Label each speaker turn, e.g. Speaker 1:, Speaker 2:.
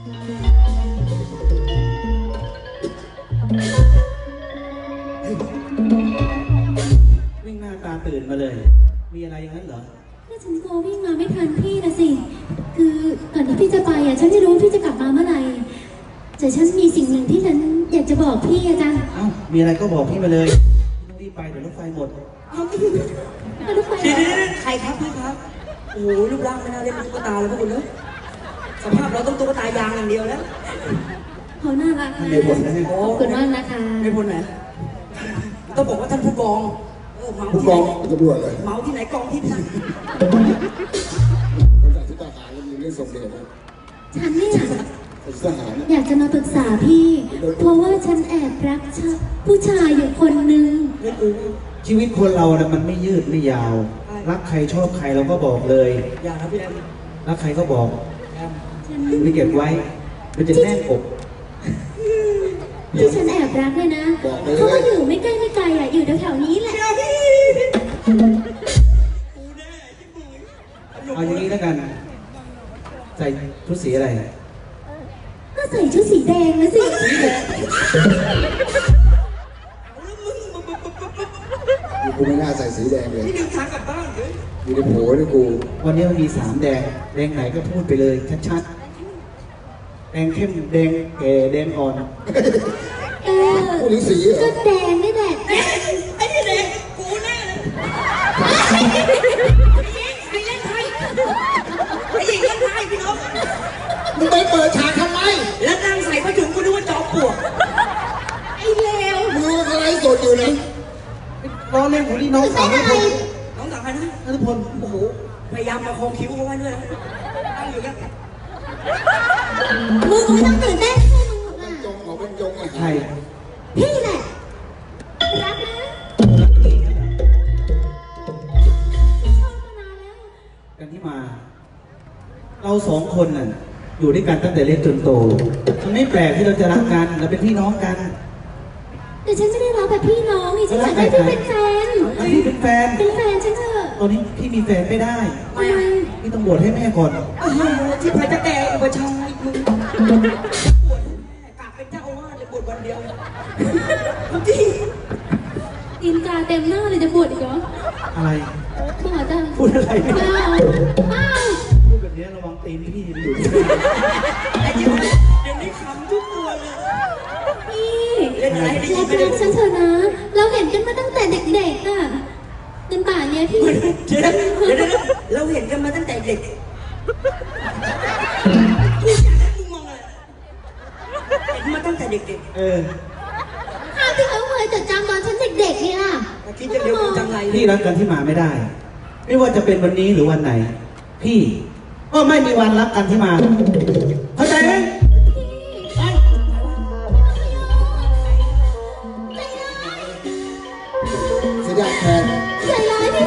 Speaker 1: วิ่งหน้าตาตื่นมาเลยมีอะไรอย่างนั้นเหรอ
Speaker 2: ก็ฉันกลัววิ่งมาไม่ทันพี่นะสิคือก่อนที่พี่จะไปอ่ะฉันไม่รู้ว่าพี่จะกลับมาเมื่อไหร่แต่ฉันมีสิ่งหนึ่งที่ฉันอยากจะบอกพี่อะจ้ะ
Speaker 1: เอ้ามีอะไรก็บอกพี่มาเลยไม่ต้องรีบไปเดี๋ยวรถไฟหมด
Speaker 2: รถไฟ
Speaker 3: ใครครับพี่ครับโอ้โหรูปร่างไม่น่าเล่นเป็นตุ๊กตาเลยพวกคุณเนอะสภาพเราต้องตุ๊กตายางอย่างเดียวแล้ว
Speaker 2: เขาน่ารักมาก
Speaker 1: ในบทนะ
Speaker 2: ขอบคุณมากนะคะ
Speaker 3: ในบทไหนต้องบอกว่าท่านผู้กองเมาที่ไหน
Speaker 4: ตำรวจเลย
Speaker 3: เมาที่ไหนกองที่นั่น
Speaker 4: คนจากที่ทหารแล้วมีเรื่องส่งเดชนะ
Speaker 2: ฉันเนี่ย
Speaker 4: ทหาร
Speaker 2: อยากจะมาปรึกษาพี่เพราะว่าฉันแอบรักผู้ชายอยู่คนนึง
Speaker 1: ชีวิตคนเรานะมันไม่ยืดไม่ยาวรักใครชอบใครเราก็บอกเลย
Speaker 3: อย่าครับพี่แอม
Speaker 1: รักใครก็บอกไม่เก็บไว้มันจะแน่นอก
Speaker 2: ที่ฉันแอบรักเนี่ยนะเขาก็อยู่ไม่ใกล้ไม่ไกลอ่ะอยู่แถวๆนี้แหละ
Speaker 1: เอาอย่างนี้แล้วกันใส่ชุดสีอะไร
Speaker 2: ก็ใส่ชุดสีแดงนะสิ
Speaker 4: กูไม่น่าใส่สีแดงเลย
Speaker 3: นี่ดึงทางกลับบ้านเลย
Speaker 4: อยู่ในโผล่ด้วยกู
Speaker 1: วันนี้มันมี3แดงแดงไหนก็พูดไปเลยชัดๆแดงเข้มแดงแก่แดงอ่อน
Speaker 4: พูดถึงสีเหรอ
Speaker 2: ก็แดงนี่แหละ
Speaker 3: ไอ้นี่แดงกูแน่เลยไอ้เล่นไพ่ไอ้หญิงเล่นไพ่พี่น้อง
Speaker 4: มึงไปเปิดฉากทำไม
Speaker 3: แล้วนางใส่ผ้าถุงกูนึกว่าจอมปลวก
Speaker 2: ไอ้เลว
Speaker 4: มึงรู้อะไรสดอยู่นะ
Speaker 1: ร้องเล่นของนี่น้องสาวไม่พอ
Speaker 3: น้องสาวใครนะ
Speaker 1: นัทพล
Speaker 3: โอ้โหพยายามประคองคิ้วเขาไว้ด้วยนะตั้งอยู่กัน
Speaker 2: มึงไม่ต้องตื่นเต้นให้มึงหรอกนะ
Speaker 4: จงเอาเป็นจง
Speaker 1: ใช่
Speaker 2: พี่แหละรักนะชอบมานานแล้ว
Speaker 1: กันที่มาเรา2คนน่ะอยู่ด้วยกันตั้งแต่เล็กจนโตมันไม่แปลกที่เราจะรักกันเราเป็นพี่น้องกัน
Speaker 2: แต่ฉันไม่ได้รักแบบพี่น้องนี่ฉันอยากให้พี่เป็นแฟน
Speaker 1: พี่เป็นแฟน
Speaker 2: ฉันเถอะ
Speaker 1: ตอนนี้พี่มีแฟนไม่ได้
Speaker 2: ทำไม
Speaker 1: พี่ต้องบวชให้แม่ก่อน
Speaker 3: ที่พระจะแก่อุปชายมึงบวชแม่กลับเป็นเจ้าอาวาสเลยบวชวันเดียวจริง
Speaker 2: ตีนกาเต็มหน้าเลยจะบวชอีกเหรอ
Speaker 1: อะไร
Speaker 2: บ้าจัง
Speaker 1: พูดอะไรไม่ได้พูดแบบนี้ระวังตีนพี่อยู่
Speaker 3: ไอ้จิ๊บเดี๋ยวนี้ขำทุกตัวเลย
Speaker 2: พี่เรารักฉันเถอะนะเราเห็นกันมาตั้งแต่เด็กๆอ่ะจนป่านนี้พี่
Speaker 3: เดี๋ยวเราเห็นกันมาตั้งแต่เด็กพูดอย่างนั้นมึงมองอะไรเห็นมาตั้งแต่เด็ก
Speaker 2: ข้าวที่เขาเคยจดจำตอนฉันเด็กๆเนี่ย
Speaker 3: คิดจะเรียกกูจังไร
Speaker 1: พี่รักกันที่มาไม่ได้ไม่ว่าจะเป็นวันนี้หรือวันไหนพี่ก็ไม่มีวันรักกันที่มาเข้าใจไหม
Speaker 4: เสียดายแทน
Speaker 2: ใจร้ายที่